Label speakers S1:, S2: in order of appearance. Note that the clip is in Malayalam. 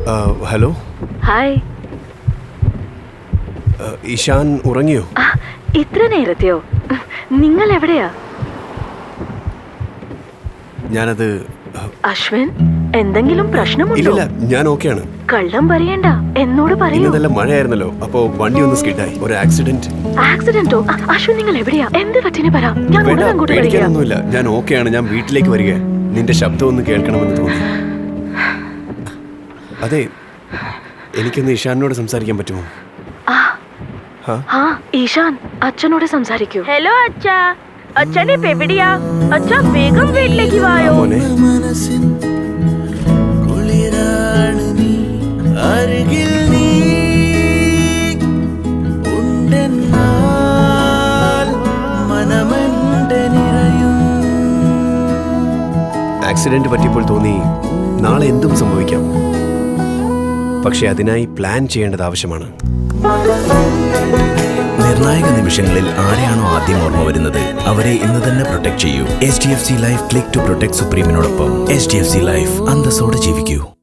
S1: ഹലോ.
S2: ഹായ്.
S1: ഇഷാൻ ഉറങ്ങിയോ?
S2: ഇത്ര നേരത്തെയോ? നിങ്ങൾ എവിടെയാ?
S1: ഞാനത്
S2: അശ്വിൻ, എന്തെങ്കിലും പ്രശ്നമുണ്ടോ?
S1: ഇല്ല, ഞാൻ ഓക്കെയാണ്.
S2: കള്ളം പറയണ്ട, എന്നോട് പറയൂ.
S1: ഇന്ന് നല്ല മഴയായിരുന്നല്ലോ, അപ്പോ വണ്ടി ഒന്ന് സ്കിഡായി. ഒരു ആക്സിഡന്റ്.
S2: ആക്സിഡന്റോ? അശ്വിൻ, നിങ്ങൾ എവിടെയാ? എന്ത് പറ്റിന് പറ, ഞാൻ ഉടനെ അങ്ങോട്ട് വരിക.
S1: പേടിക്കാനൊന്നുമില്ല, ഞാൻ ഓക്കെയാണ്. ഞാൻ വീട്ടിലേക്ക് വരിക. നിന്റെ ശബ്ദം ഒന്ന് കേൾക്കണമെന്ന് തോന്നി. അതെ, എനിക്കൊന്ന് ഇഷാനോട് സംസാരിക്കാൻ പറ്റുമോ?
S2: ഈശാൻ, അച്ഛനോട് സംസാരിക്കൂ.
S3: ഹലോ അച്ഛാ, അച്ഛൻ ഇപ്പൊ എവിടെയാ? അച്ഛാ, വേഗം വീട്ടിലേക്ക് വായോ.
S1: മോനെ, ആക്സിഡന്റ് പറ്റിയപ്പോൾ തോന്നി നാളെ എന്തും സംഭവിക്കാം. പക്ഷെ അതിനായി പ്ലാൻ ചെയ്യേണ്ടത് ആവശ്യമാണ്.
S4: നിർണായക നിമിഷങ്ങളിൽ ആരെയാണോ ആദ്യം ഓർമ്മ വരുന്നത് അവരെ ഇന്ന് തന്നെ പ്രൊട്ടക്ട് ചെയ്യൂ. HDFC life click to protect സുപ്രീമിനോടൊപ്പം. HDFC ലൈഫ്, അന്തസ്സോടെ ജീവിക്കൂ.